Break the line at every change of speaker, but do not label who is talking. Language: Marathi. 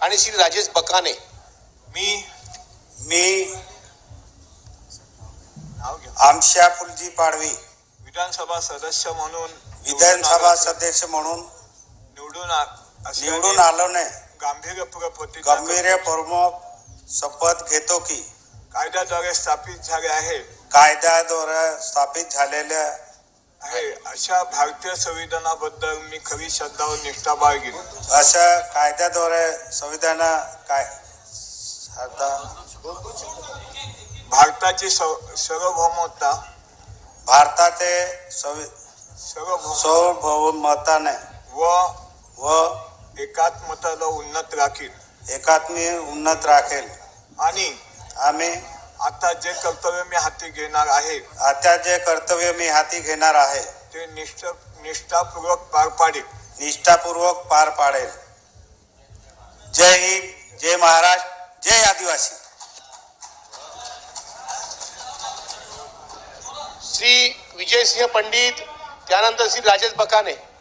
आणि श्री राजेश बकाने।
मी आमशा फुलजी पाडवी
विधानसभा सदस्य म्हणून
निवडून आलोने
गांभीर्यपूर्वक
शपथ घेतो की
कायद्याद्वारे
स्थापित झालेल्या
आहे अशा भारतीय संविधानाबद्दल मी खरी श्रद्धा व निष्ठा बाळगीन।
अशा कायद्याद्वारे संविधान
भारताची सार्वभौमता
सार्वभौमताने व
एकात्मताला उन्नत
राखेल
आणि
आम्ही
आता जे कर्तव्य मी हाती घेणार आहे ते निष्ठापूर्वक
पार पाडेल। जय हिंद, जय महाराष्ट्र, जय आदिवासी।
श्री विजयसिंह पंडित, त्यानंतर श्री राजेश बकाने।